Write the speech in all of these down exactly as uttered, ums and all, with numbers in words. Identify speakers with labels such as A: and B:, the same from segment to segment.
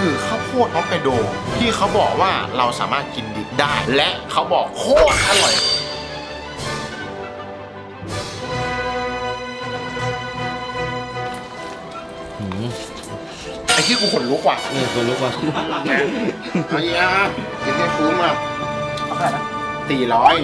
A: คือข้าวโพดฮอกไกโดที่เขาบอกว่าเราสามารถกินดิบได้และเขาบอกโคตรอร่อยไอ้ที่กูขนลุกว่ะ
B: เออคนลุกว่ะ
A: เอาอีกอ่ะกินให้คุ้มอ่ะ
C: เอาไปนะ
A: สี่ร้อย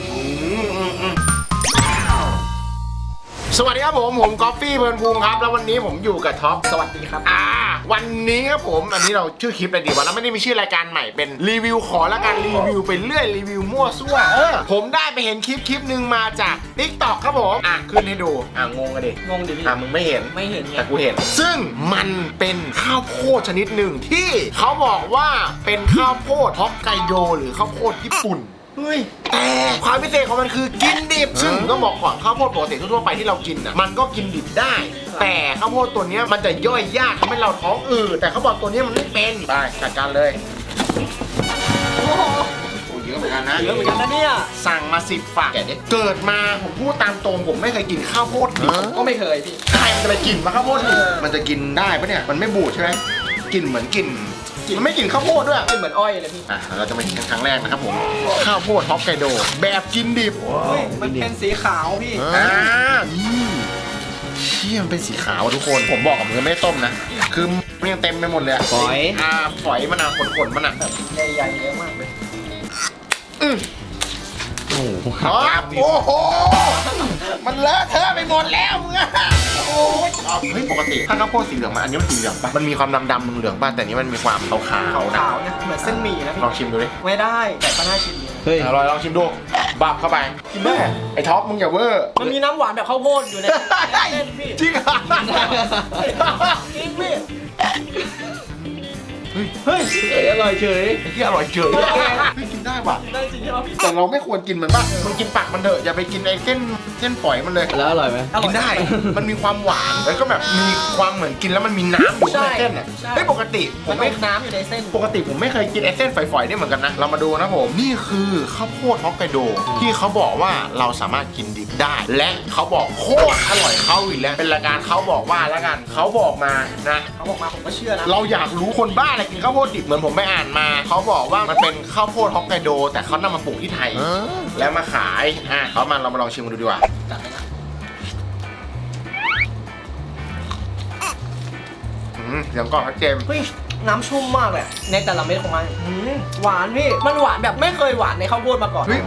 A: สวัสดีครับผมผมกอฟฟี่เพลินภูมิครับแล้ววันนี้ผมอยู่กับท็อป
C: สวัสดีครับ
A: อ่าวันนี้ครับผมอันนี้เราชื่อคลิปอะไรดีวะแล้วไม่ได้มีชื่อรายการใหม่เป็นรีวิวขอละกันรีวิวไปเรื่อยรีวิวมั่วซั่วเออผมได้ไปเห็นคลิปคลิปหนึ่งมาจาก ติ๊กต็อก ครับผมอ่ะขึ้นให้ดูอ่ะงงกันดิ
C: งงดิพี่
A: อ่ะมึงไม่เห็น
C: ไม่เห็นไง
A: แต่กูเห็นซึ่งมันเป็นข้าวโพดชนิดหนึ่งที่เขาบอกว่าเป็นข้าวโพดฮอกไกโดหรือข้าวโพดญี่ปุ่นเฮ้ยแต่ความพิเศษของมันคือกินดิบซึ่งต้องบอกก่อนข้าวโพดปกติทั่วๆไปที่เรากินอ่ะมันก็กินดิบได้แต่ข้าวโพดตัวนี้มันจะย่อยยากทำให้เราท้องอืดแต่เขาบอกตัวนี้มันไม่เป็นไปจัดการเลย
C: โอ้โห
A: โอ้เยอะเหมือนกันนะ
C: เยอะเหมือนกันนะเนี่ย
A: สั่งมาสิบฝากแกเนี่ยเกิดมาผมพูดตามตรงผมไม่เคยกินข้าวโพดดิบ
C: ก็ไม่เคยพี่
A: ใครมันจะไปกินมาข้าวโพดดิบ
C: เออ
A: มันจะกินได้ปะเนี่ยมันไม่บูดใช่ไหมกินเหมือนกินมันไม่กินข้าวโพดด้วย
C: กินเหมือนอ้อยเลยพี่
A: อ่ะเราจะมากินกันครั้งแรกนะครับผมข้าวโพดฮอกไกโดแบบกินดิบ
C: เฮ้ยมันเป็นสีขาวพี่
A: อ่านี่เชี่ยมันเป็นสีขาวอะทุกคนผมบอกกับมือไม่ได้ต้มนะคือมันยังเต็มไปหมดเลยอะ
B: ฝอย
A: อ่าฝอยมันอะขนๆมันอะ
C: แบบใหญ่ๆเยอะมากเลย
A: อือ
B: โอ้โห
A: อ๋อโอ้โหมันเลอะเทอะไปหมดแล้วมึงอะโอ้ยเฮ้ยปกติถ้าข้าวโพดสีเหลืองมาอันนี้มันสีเหลืองปะมันมีความดำๆเหลืองๆป่ะแต่อันนี้มันมีความขาว
C: ขา
A: ๆนะ
C: วๆนะเหมือนเส้นหมี่นะพี่
A: ลองชิมดูดิ
C: ไม่ได้แต่ก็น่าชิมดีนะ
B: เฮ้ย
A: อร่อยลองชิมดูบับเข้าไปกินแม่ไอ้ท็อปมึงอย่าเวอร์
C: มันมีน้ำหวานแบบข้าวโพดอยู่ในเส้นพี่
A: จริงเหรอ
C: จริงพี่
A: เฮ้ย
C: เฮ้ย
B: เฮ้ยอร่อยเฉย
A: ไอ้ที่อร่อยเฉยเฮ้ยกินได้ว่ะ
C: ได้จริงใช่ไหมพี่
A: แต่เราไม่ควรกินมันป่ะมึงกินปากมันเถอะอย่าไปกินไอ้เส้นเส้นฝอยมันเลย
B: แล้วอร่อยไหม
A: กินได้ มันมีความหวานแล้วก็แบบมีความเหมือนกินแล้วมันมีน้ำอยู่ในเส้นอ่ะเฮ้ยปกติผ
C: มั
A: ม
C: น
A: ไม่
C: ไม่น้ำอยู่ในเส้น
A: ปกติผมไม่เคยกินไอ้เส้นฝอยๆนี่เหมือนกันนะเรามาดูนะผมนี่คือข้าวโพดฮอกไกโดที่เขาบอกว่าเราสามารถกินดิบได้ และเขาบอกโคตรอร่อยเข้าอีกแล้วเป็นรายการเขาบอกว่าแล้วกันเขาบอกมานะ
C: เขาบอกมาผมก็เชื่อนะ
A: เราอยากรู้คนบ้าอะไรกินข้าวโพดดิบเหมือนผมไปอ่านมาเขาบอกว่ามันเป็นข้าวโพดฮอกไกโดแต่เขานำมาปลูกที่ไทยแล้วมาขายอ่ะเขามาเรามาลองชิมกันดูดีกว่า
C: จัดเลยนะ
A: อืมเสียงกรอบชัดเจน
C: เฮ้ยน้ำชุ่มมากเลยในแต่ละเม็ดของมันอืมหวานพี่มันหวานแบบไม่เคยหวานในข้าวโพดมาก่อน
A: เฮ้ย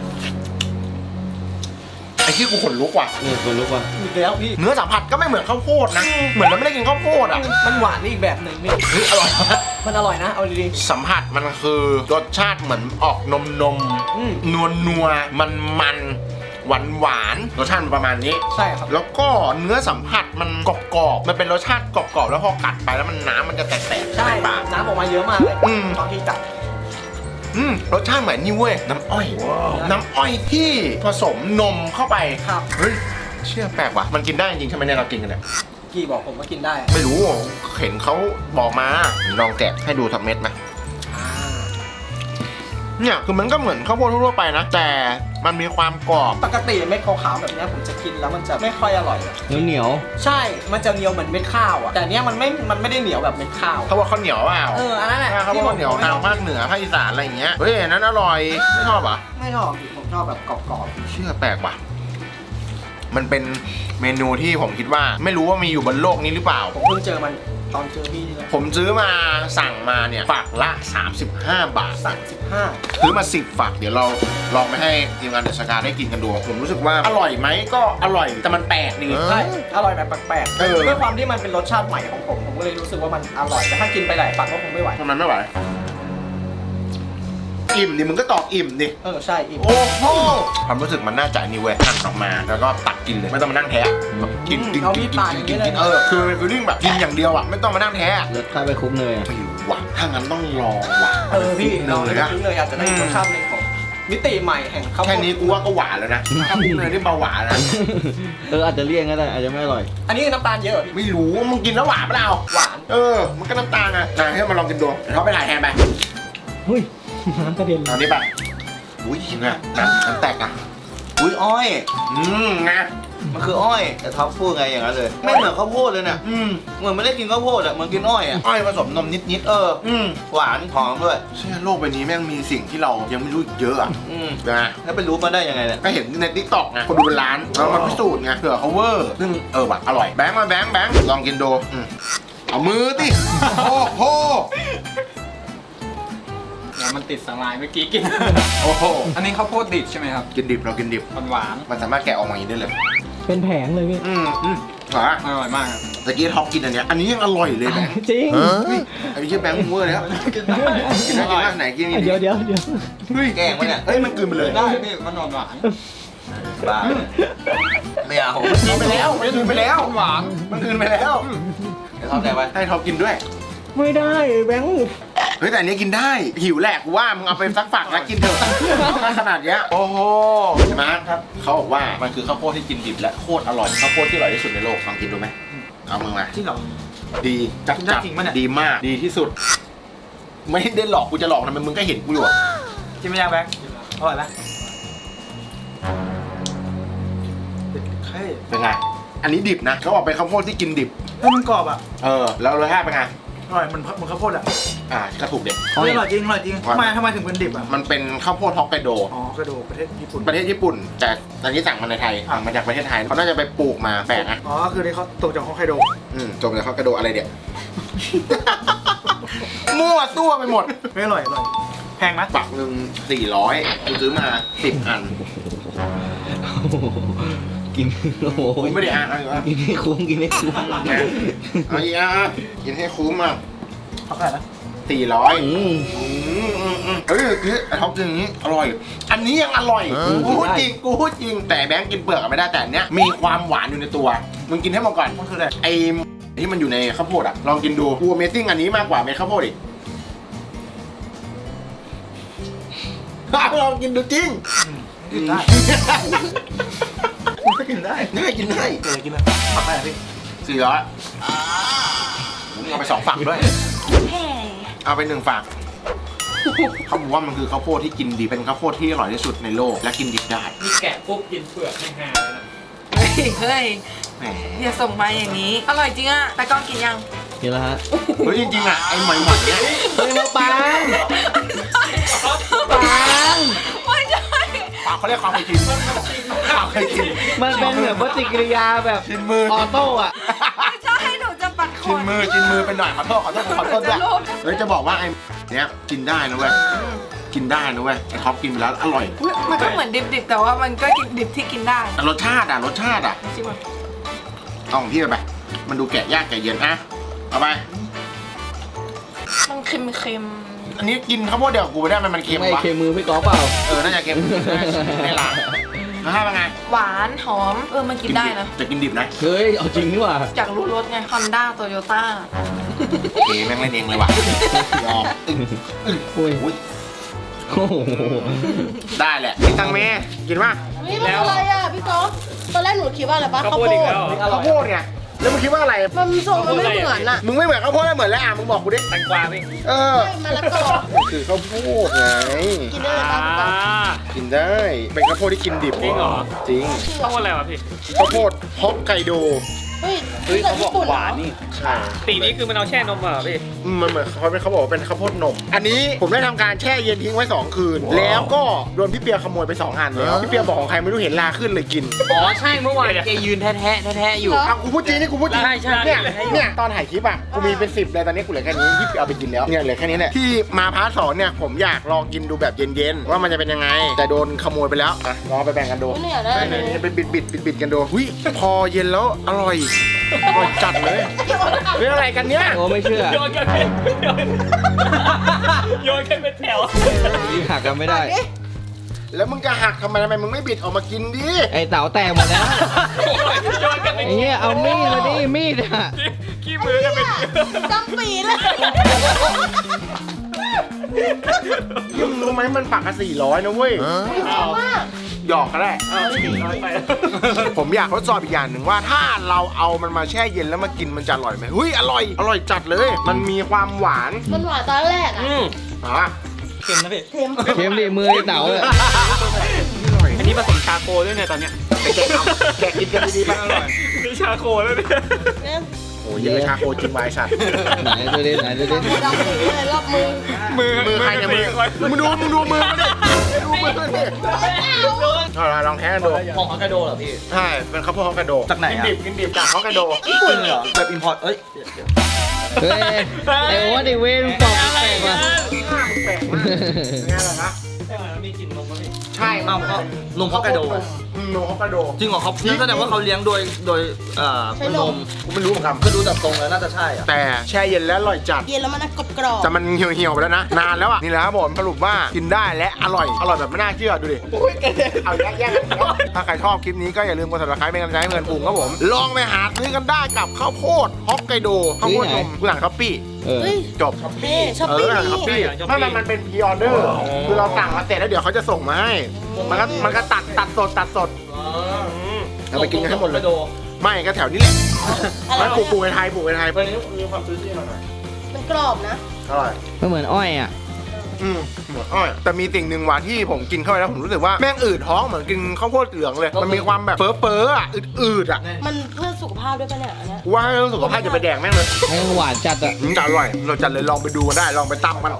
A: ไอ้ที่กูขนลุกว่ะ
B: เออคนลุกว่ะ
C: อีกแล้วพี่
A: เนื้อสัมผัสก็ไม่เหมือนข้าวโพดนะเหมือนเราไม่ได้กินข้าวโพดอ่ะ
C: มันหวานอีกแบบหนึ่งพี่
A: เฮ้ยอร่อยมาก
C: มันอร่อยนะเอาดี
A: สัมผัสมันคือรสชาติเหมือนออกนมนม
C: อืม
A: นัวนัวมันมันหวานหวานๆรสชาติมันประมาณนี้
C: ๆใช่ครับ
A: แล้วก็เนื้อสัมผัสมันกรอบกรอบๆมันเป็นรสชาติกรอบกรอบๆแล้วพอกัดไปแล้วมันน้ำมันจะแตกๆ
C: ใช่
A: ในปาก
C: น้ำออกมาเยอะมากเลย
A: อืม
C: ตอนที่จัด
A: อืมรสชาติเหมือนนี่เว้ยน้ำอ้อย น้ำอ้อยที่ผสมนมเข้าไป
C: ครับ
A: เฮ้ยเชื่อแปลกว่ะมันกินได้จริงใช่ไหมเนี่ยเรากินกันเนี่ย
C: กี่บอกผมว่ากินได้
A: ไม่รู้เห็นเขาบอกมาลองแกะให้ดูทับเม็ดไหม
C: อ่า
A: เนี่ยคือมันก็เหมือนข้าวโพดทั่วๆไปนะแต่มันมีความกรอบ
C: ปกติเม็ดขาวๆแบบเนี้ยผมจะกินแล้วมันจะไม่ค่อยอร่อยอะ
B: เหนียวเหนียว
C: ใช่มันจะเหนียวเหมือนเม็ดข้าวอ่ะแต่เนี้ยมันไม่มันไม่ได้เหนียวแบบเม็ดข้าว
A: เขาบอกข้าวเหนียวเปล่า
C: เอออันนั้นแหละ
A: เขาบอกข้าวเหนียวทางภาคเหนือภาคอีสานอะไรอย่างเงี้ยเฮ้ยอันนั้นอร่อยไม่ชอบเหรอ่ะ
C: ไม่ชอบพี่ผมชอบแบบกรอบ
A: เชื่อแปลกว่ะมันเป็นเมนูที่ผมคิดว่าไม่รู้ว่ามีอยู่บนโลกนี้หรือเปล่า
C: ๆผมเพิ่งเจอมันตอนเจอพี่นี่แหละ
A: ผมซื้อมาสั่งมาเนี่ยฝักละสามสิบห้าบาท
C: สามสิบห้า
A: ซื้อมาสิบฝักเดี๋ยวเราลองไปให้ทีมงานเดอะสกาได้กินกันดูผมรู้สึกว่าอร่อยไหมก็อร่อยแต่มันแปลกดี
C: ใช่อร่อยแบบแปลก
A: เออ
C: ๆด้วยความที่มันเป็นรสชาติใหม่ของผมผมก็เลยรู้สึกว่ามันอร่อยแต่ถ้ากินไปหลายฝักก็คงไม่ไหว
A: ทำไมไม่ไหวอิ่มดิมึงก็ตอบอิ่มดิ
C: เออใช่อิ่ม
A: โอ้โหความรู้สึกมันน่าจะนี่เว้ยหั่นออกมาแล้วก็ตักกินเลยไม่ต้องมานั่งแทะแบบกินกิน
C: เอา
A: กิ
C: มี
A: น
C: ด
A: กิน
C: ปาดอย่าง
A: กิ
C: นี้
A: น
C: เลย
A: กินเออคือคือเรื่องแบบกินอย่างเดียวอ่ะไม่ต้องมานั่งแทะ
B: รสชาติไปคุ้มเลยอะ
A: ไม่รู้ว่ะถ้างั้นต้องลองว่ะ
C: เออพี่
A: เล
C: เรา
A: ย
C: เลย
A: นะ
C: เลยอาจจะได้รสชาติหนึ่งของมิติใหม่แห่งข้าวโพ
A: แค่
C: ด
A: นี้กูว่าก็หวานแล้วนะถ้าพูดเลยได้เบาหวานนะ
B: เอออาจจะเลี่ยงก็ได้อาจจะไม่อร่อย
C: อันนี้น้ำตาลเยอะเหรอพี่
A: ไม่รู้มึงกินแล้วหวานเปล่า
C: หวาน
A: เออมันก็น้ำตาลไงนะให้มาลองกินดูเดี๋ยวเขาไปถ่ายแทนไป
B: เฮ้ยน้ำกระเด็น
A: เอานี้ไปอุ้ยนะน้ำน้ำแตกอ่ะอุ้ยอ้อยอืมไง
B: มันคืออ้อยแต่ท็อปพูดไงอย่างนั้นเลยไม่เหมือนข้าวโพดเลยเนี่ย
A: อืม
B: เหมือนไม่ได้กินข้าวโพดอะเหมือนกินอ้อยอะ
A: อ้อยผสมนมนิด
B: เออ
A: ๆอืม
B: หวานหอมด้วย
A: เชื่อโลกใบนี้แม่งมีสิ่งที่เรายังไม่รู้อีกเยอะอ่ะ
B: อืม
A: นะ
B: แล้วไปรู้มาได้ยังไงเนี่ย
A: ก็เห็นในทิกตอกไงคนดูเป็นล้านเรามาพิสูจน์ไงเผื่อเขาเวอร์ซึ่งเออว่ะอร่อยแบงค์มาแบงค์แบงค์ลองกินดูอืมเอามือติโอ้โห
D: มันติดสลายเมื่อกี้กิน
A: โอ้โห
D: อันนี้ข้าวโพดดิบใช่ไหมครับ
A: กินดิบเรากินดิบ
D: หวาน
A: มันสามารถแกะออกมาอย่างนี้ได้เลย
B: เป็นแผงเลยพี่
A: อืมอืมอ่ะ
D: ๆอร่อยมากครับ
A: ตะกี้ท็อปกินอันเนี้ยอันนี้ยังอร่อยเลยแบงค์
B: จริง
A: ไอ้พี่เชื่อแบงค์มึงเวอร์เลยครับกินได้กินได้กินได้ไหนกิน
B: เดี๋ยวเดี๋ยวเดี๋ยว
A: เฮ้ย
B: แกล้งปะเนี่ย
A: เฮ้ยมันกลืนไปเลย
D: ได้พี่มันหวานหวาน
B: บ้าไม่เอา
A: กินไปแล้วมันกลืนไปแล้ว
D: หวาน
A: มันกลืนไปแล้ว
B: เดี๋ยวทำใจไว้
A: ให้ท็อปกินด้วย
B: ไม่ได้แบงค์
A: เฮ้ยแต่อันนี้กินได้หิวแหละกูว่ามึงเอาไปสักฝักแล้วกินเถอะถ้าขนาดเนี้ยโอ้โหมาร์คครับเขาบอกว่ามันคือข้าวโพดที่กินดิบและโคตรอร่อยข้าวโพดที่อร่อยที่สุดในโลกลองกินดูไหมเอามึงมา
C: จริงเหรอ
A: ดีจัด
C: กินได้
A: จัด
C: จริงปะเนี่ย
A: ดีมากดีที่สุด ไม่ได้หลอกกูจะหลอกทำไมมึงก็เห็นกูอยู่อะ
C: กินไม่ยากแบงค์อร่อยไหมเฮ้ย
A: เป็นไงอันนี้ดิบนะเขาบอกเป็นข้าวโพดที่กินดิบ
C: เฮ้ยมันกรอบอ่ะ
A: เออแล้วรสชาติเป็นไง
C: อร่อยมันมันข้าวโพดอ่ะ
A: อ่าก็ถูกเด็ด
C: เฮ้ยอร่อยจริงอร่อยจริงทำไมทำไมถึงเป็นดิบอ่ะ
A: มันเป็นข้าวโพดฮอกไกโด
C: อ๋อกระดูกประเทศญี่ปุ่น
A: ประเทศญี่ปุ่น แต่ตอนนี้สั่งมาในไทยสั่งมาจากประเทศไทยเขาน่าจะไปปลูกมาแปลกนะ
C: อ๋อคือนี่เขาตกจากฮอกไกโด
A: อืมจมจากฮอกไกโดอะไรเดี๋ยว มั่วตัวไปหมด
C: ไม่อร่อยอร่อยแพงไหม
A: ฝักหนึ่งสี่ร้อยกูซื้อมาสิบอัน
B: กินโอ้โห
A: กูไม่ได้อ่านอะไรวะ
B: กินให้คุ้มกินให้คุ้ม
A: เอาอีกอ่ะกินให้คุ้มอ่ะ
C: เขาขายนะ
A: สี่ร้อย
B: อืม
A: อืมอืมอืมเฮ้ยคือไอ้ท็อปกินอย่างนี้อร่อย อันนี้ยังอร่อยกูพูดจริงกูพูดจริงแต่แบงค์กินเปลือกอะไม่ได้แต่อันเนี้ยมีความหวานอยู่ในตัวมึงกินให้หมดก่อน
C: มันคืออะไร
A: ไอ้ที่มันอยู่ในข้าวโพดอ่ะลองกินดูกู Amazing อันนี้มากกว่าเม็ดข้าวโพดอีก ลองกินดูจริง
C: กินได้มันก็กินได้
A: ได้กินได้
C: เออกินนะผักอะไรพี่
A: สี่ร้อยผมเอาไปสองฝักด้วย เอาไปหนึ่งฝักเขาบอกว่ามันคือข้าวโพดที่กินดีเป็นข้าวโพดที่อร่อยที่สุดในโลกและกินดิบได้
D: มีแกะปุ๊บกินเปลือกไม่หาเลยนะ
E: เฮ้ยเฮ้ย
A: แหม
E: อย่าส่งมาอย่างนี้ อร่อยจริงอะแต่กล้องกินยัง
B: กินแล้วฮะ
A: เฮ้ยจริงๆอ่ะไอ้หมอยหมอยเนี่ย
B: เฮ้ยมาปัง
E: ปังไม่ใช่
A: ปากเขาเรียกความเคยชินความเคยชิน
B: มันเป็นเหมือนปฏิกิริยาแบบ
A: ชินมือ
B: ออโต้อะ
E: ไม่ใช่หนูจะปัดข
A: ชิ
E: น
A: นมือชินมือไปหน่อยขอโทษขอโทษขอโทษด้วย
E: จะโลภ
A: เฮ้ยจะบอกว่าไอ้เนี้ยกินได้นะเว้ยกินได้นะเว้ยไอ้ท็อปกินไปแล้วอร่อย
E: มันก็เหมือนดิบๆ แต่ว่ามันก็กินดิบที่กินได้
A: แต่รสชาติอ่ะรสชาติอ่ะ
E: จริงป่ะ
A: เอาของพี่ไปไปมันดูแกะยากแกะเย็นอ่ะเอาไป
E: มันเค็ม
A: อันนี้กินข้าวโพดเดียวกับกูไม่ได้มันมันเค็ม
B: ไม่
A: วะ
B: เคมือพี่กอล์ฟเปล่า
A: เออน่าจะเค็มไม่ล้างแล้วให้เป็นไง
E: ๆ หวานหอม เออ มันกินได้นะ
A: จะกินดิบนะ
B: เฮ้ยเอาจริงนี่หว่า
E: อยากรู้รสไง Honda Toyota
A: โอเคแม่งเล่นเองเลยว่ะยอมอึ้งอึ้ง
B: โอ้ย
A: อุ้ย
B: โอ้โห
A: ได้แหละพี่ตังเมย์กินป่ะ
F: นี่มันอะไรอ่ะพี่ก๊อฟตอนแรกหนูคิดว่าอะไรปะข้าวโพด
A: ข้าวโพดไงแล้วมึงคิดว่าอะไร
F: มันทรงมันไม่เหมือนอ่ะ
A: มึงไม่เหมือนข้าวโพดแล้วเหมือนแล้วอ่ะมึงบอกกูดิ
D: แตงกวาพี่
A: เออ
F: ไม่มะละกอ
A: มันคือข้าวโพดไง
F: กินได้เลยปะพี่ก๊อฟ
A: กินได้ เป็นข้าวโพดที่กินดิบ
D: จริงเหรอ
A: จริง
D: ข้าวโพดอะไรวะพี่
A: ข้าวโพดฮอกไกโด
F: เฮ้ยนี่จากญี่ปุ่นเหรอ
A: ใช่
D: สีนี้คือมันเอาแช่นมเหรอพี่
A: อืมมันเหมือนเขาเป็นเขาบอกว่าเป็นข้าวโพดนม อันนี้ผมได้ทำการแช่เย็นทิ้งไว้สองคืน แล้วก็โดนพี่เปียขโมยไปสองอันแล้วพี่เปียบอกของใครไม่รู้เห็นลาขึ้นเลยกิน
D: อ๋อใช่เมื่อวานแกยืนแท้แท้แท้อยู่
A: อ่ะกูพูดจริงนี่กูพูดจริง
D: ใช่ใช่
A: เนี่ยเนี่ยตอนถ่ายคลิปอ่ะกูมีเป็นสิบเลยตอนนี้กูเหลือแค่นี้ที่เอาไปกินแล้วเนี่ยเหลือแค่นี้แหละที่มาพาร์ทสองเนี่ยผมอยากลองกินดูแบบเย็นๆว่ามันจะเป็นยังไง แต่โดนขโมยไปแล้วอ่ะลองเอาไปแบ่งกันดู
F: ไม่อยากได้
A: ได้
F: เล
A: เลย ยไปบิดบิดบิดบิดกันดูหุ้ยพอเย็นแล้วอร่อยอร่อยจัดเลยเรื่องอะไรกันเนี่ย
B: โอ้ไม่เชื่อ
D: โยนกันเป็นโยนกันเป็นแถว
B: ยิ่งหักกันไม่ได้
A: แล้วมึงจะหักทำไมทำไมมึงไม่บิดออกมากินดิ
B: ไอ้เต๋าแตกหมดแล้ว
D: โยนกันเป็น
B: ไอ้เหี้ยเอามีดมาดิมีดอะ
D: ขี้มือกันเป็น
F: จำปีเลย
A: ยิ่งรู้ไหมมันปักกันสี่ร้อยนะเว้ย
F: มาก
A: หยอกก็ได้ ผมอยากทดสอบอีกอย่างหนึ่งว่าถ้าเราเอามันมาแช่เย็นแล้วมากินมันจะอร่อยไหมเฮ้ยอร่อยอร่อยจัดเลย มันมีความหวาน
F: มันหวานตอนแรกอ่ะ
A: อืมอ่ะ
D: เค็มนะพี่
F: เค็ม
B: เค็มดิมือไอ้เต๋าเลย
D: อันนี้ผสมชาโคด้วยเนี่ยตอนเนี้ย
A: ไปแกะเอาแกะกินกันดีๆไป
D: อร่อยนี่ชาโคแล้วเนี่ย
F: เนี่ย
A: โอ้ยยังไงชาโคจริงไว้สัตว์
B: ไหนดูดิไหนดูดิ
F: โคดำสีเลยรอบมือ
D: มือ
A: มือใครเนี่ยมือมึงดูมึงดูมือมันดิดูมือดิเอาล่ะลองแท้กันดู
C: ของฮอกไกโดเหรอพี่
A: ใช่เป็นข้าวโพดฮอกไกโด
B: จากไหน
A: กิน
B: อ่ะ
A: ดิบกินดิบจากฮอกไกโด
B: ญี่ปุ่นเหรอแบบอิมพอร์ตเอ้ย
G: เฮ้ยไอ้โอ้ไอ้เวนปอกแปลกว่ะ
A: แปลกมากง่ายเลยนะ
C: ใช่ไหมมันมีกลิ่นนมมั้ยพี่
A: ใช่
B: เอาก็นมฮอกไกโด
A: อืมนมฮอกไกโด
B: จริงเหรอเขานั่นแสดงว่าเขาเลี้ยงโดยโดยเอ่อเป็นนม
A: กูไม่รู้เหมือนกัน
B: ก็ดูจากตรงแล้วน่าจะใช่อ่ะ
A: แต่แช่เย็นแล้วอร่อยจัด
F: เย็นแล้วมันกรอบกรอบ
A: แต่มันเหี่ยวเหี่ยวๆไปแล้วนะ นานแล้วอ่ะ นี่แหละครับผมสรุปว่ากินได้และอร่อย อร่อยแบบไม่น่าเชื่อดูดิเอาแยกแยกกันถ้าใครชอบคลิปนี้ก็อย่าลืมกด ซับสไครบ์เป็นกำลังใจให้เพื่อนปรุงครับผม ลองไปหาซื้อกันได้กับข้าวโพดฮอกไกโดข้าวโพดนมผู้หลังช้อปปี้
G: เออ
F: เฮ้ย
A: จบ
F: เฮ้ช้อป
A: เอ
F: ปี้
A: อช้อปปี้ถ้ามันมันเป็นพรีออเดอร์คือเราสั่งมาเสร็จแล้วเดี๋ยวเขาจะส่งมาให้ มันก็มันก็ตัดตัดสดตัดสดเอาไปกินกันให้หมดเลย ไม่ก็แถวนี้แหละมันปลูกปลูกในไทยปลูกในไทยเพื่อนนี้มีความซื้อที่หน่อย
F: มันกรอบนะ
A: อร่อย
G: มันเหมือนอ้อยอ่ะ
A: อืมหมดอ้อยแต่มีสิ่งหนึ่งว่ะที่ผมกินเข้าไปแล้วผมรู้สึกว่าแม่งอืดท้องเหมือนกินข้าวโพดเหลืองเลย มันมีความแบบเฟ้อเฟ้อๆอ่ะอืดๆอ่ะ
F: มันเพื่อสุขภาพด้วยปะเนี่ยอันเนี้ย
A: กูว่าให้เรื่องสุขภาพจะไปแดกแม่งเลย
G: แม่งหวานจัดอ่ะ
A: อืมแต่อร่อยเราจัดเลยลองไปดูกันได้ลองไปตำกัน